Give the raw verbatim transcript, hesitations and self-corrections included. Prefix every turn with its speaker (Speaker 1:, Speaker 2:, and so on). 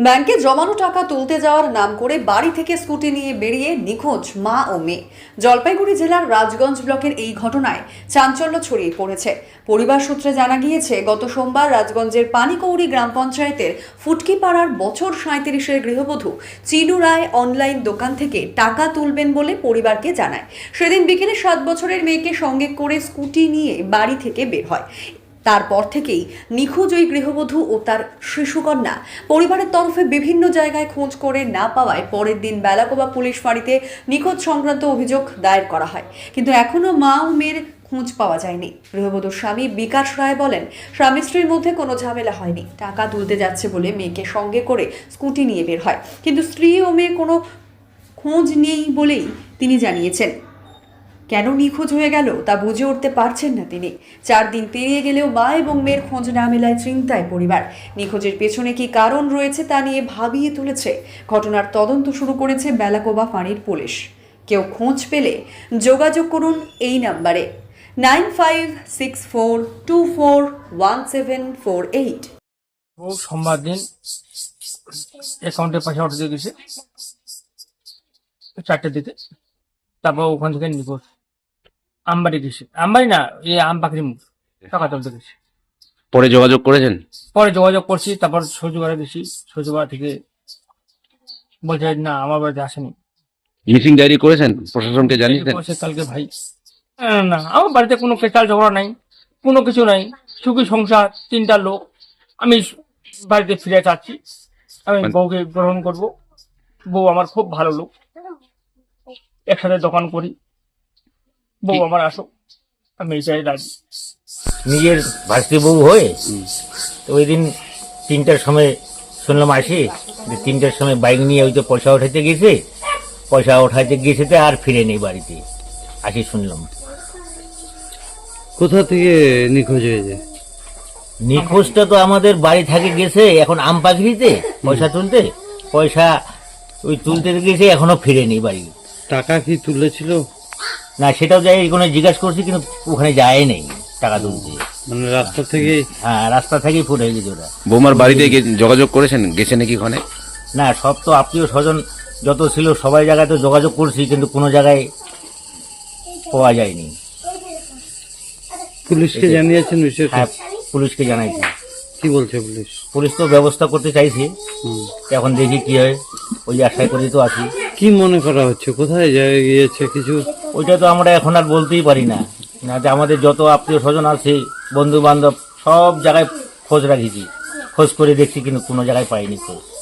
Speaker 1: ব্যাংকে জমানো টাকা তুলতে যাওয়ার নাম করে বাড়ি থেকে স্কুটি নিয়ে বেরিয়ে নিখোঁজ মা ও মেয়ে। জলপাইগুড়ি জেলার রাজগঞ্জ ব্লকের এই ঘটনায় চাঞ্চল্য ছড়িয়ে পড়েছে। পরিবার সূত্রে জানা গিয়েছে, গত সোমবার রাজগঞ্জের পানিকৌড়ি গ্রাম পঞ্চায়েতের ফুটকিপাড়ার বছর সাঁইত্রিশের গৃহবধূ চিনু রায় অনলাইন দোকান থেকে টাকা তুলবেন বলে পরিবারকে জানায়। সেদিন বিকেলে সাত বছরের মেয়েকে সঙ্গে করে স্কুটি নিয়ে বাড়ি থেকে বের হয়। তারপর থেকেই নিখোঁজ ওই গৃহবধূ ও তার শিশুকন্যা। পরিবারের তরফে বিভিন্ন জায়গায় খোঁজ করে না পাওয়ায় পরের দিন বেলাকোবা পুলিশ ফাঁড়িতে নিখোঁজ সংক্রান্ত অভিযোগ দায়ের করা হয়, কিন্তু এখনও মা ও মেয়ের খোঁজ পাওয়া যায়নি। গৃহবধূর স্বামী বিকাশ রায় বলেন, স্বামী স্ত্রীর মধ্যে কোনো ঝামেলা হয়নি। টাকা তুলতে যাচ্ছে বলে মেয়েকে সঙ্গে করে স্কুটি নিয়ে বের হয়, কিন্তু স্ত্রী ও মেয়ের কোনো খোঁজ নেই বলেই তিনি জানিয়েছেন। কেন নিখোঁজ হয়ে গেল তা বুঝে উঠতে পারছেন না তিনি। চার দিন পেরিয়ে গেলেও মা এবং মেয়ের খোঁজ না মেলায় চিন্তায় পরিবার। নিখোঁজের পেছনে কি কারণ রয়েছে তা নিয়ে ভাবিয়ে তুলেছে। ঘটনার তদন্ত শুরু করেছে বেলাকোবা ফাঁড়ির পুলিশ। কেউ খোঁজ পেলে যোগাযোগ করুন এই নাম্বারে nine five six four two four one seven four eight.
Speaker 2: ও সোমবার দিন অ্যাকাউন্টে পয়সা উঠে গেছে চারটে দিতে। তারপর ওখান থেকে নিখোঁজ আমবাড়ি গেছে, আমবাড়ি না এই আম পাখরি মুখ টাকা তুলতে গেছে।
Speaker 3: পরে যোগাযোগ করেছেন?
Speaker 2: পরে যোগাযোগ করছি, তারপর শ্বশুরবাড়ি গেছি, শ্বশুরবাড়ি থেকে বলছে না আমার বাড়িতে আসেনি।
Speaker 3: মিসিং ডায়েরি করেছেন? প্রশাসনকে জানিয়েছেন?
Speaker 2: বলছে কালকে ভাই আহ, না আমার বাড়িতে কোনো কেচাল ঝগড়া নাই, কোনো কিছু নাই, সুখী সংসার, তিনটা লোক। আমি বাড়িতে ফিরে যাচ্ছি, আমি বউকে গ্রহণ করব। বউ আমার খুব ভালো লোক, একসাথে দোকান করি। বউ আমার আসো, আমি এটাই রাজি।
Speaker 4: নিজের ভাস্তি বউ হয়ে তো ওই দিন তিনটার সময় শুনলাম আসি যে তিনটার সময় বাইক নিয়ে ওই তো পয়সা উঠাইতে গেছে, পয়সা উঠাইতে গেছে তো আর ফিরে নেই বাড়িতে। আসি শুনলাম।
Speaker 5: কোথা থেকে নিখোঁজ হয়েছে?
Speaker 4: নিখোঁজটা তো আমাদের বাড়ি থেকে গেছে এখন আম পাখিতে পয়সা তুলতে, পয়সা ওই তুলতে গেছে, এখনো ফিরে নেই বাড়ি।
Speaker 5: টাকা কি তুলেছিল?
Speaker 4: না সেটাও যাই কোনো জিজ্ঞাসা করছি, কিন্তু ওখানে যায় নেই টাকা তুলতে।
Speaker 5: মানে রাস্তা থেকে?
Speaker 4: হ্যাঁ রাস্তা থেকেই ফুটে গেছে ওরা।
Speaker 3: বৌমার বাড়িতে গে- যোগাযোগ করেছেন? গেছে নাকি ওখানে?
Speaker 4: না সব তো আত্মীয় স্বজন যত ছিল সবাই জায়গায় তো যোগাযোগ করছি, কিন্তু কোনো জায়গায় পাওয়া যায়নি।
Speaker 5: পুলিশকে জানিয়েছেন বিষয়টা?
Speaker 4: হ্যাঁ পুলিশকে জানাইছি।
Speaker 5: কি বলছে পুলিশ?
Speaker 4: পুলিশ তো ব্যবস্থা করতে চাইছে, এখন দেখি কি হয়, ওই আশায় করে তো আছি।
Speaker 5: কি মনে করা হচ্ছে কোথায় যায় গিয়েছে কিছু?
Speaker 4: ওইটা তো আমরা এখন আর বলতেই পারি না। না যে আমাদের যত আত্মীয় স্বজন আছে, বন্ধু বান্ধব, সব জায়গায় খোঁজ রাখিছি, খোঁজ করে দেখছি, কিন্তু কোনো জায়গায় পাইনি খোঁজ।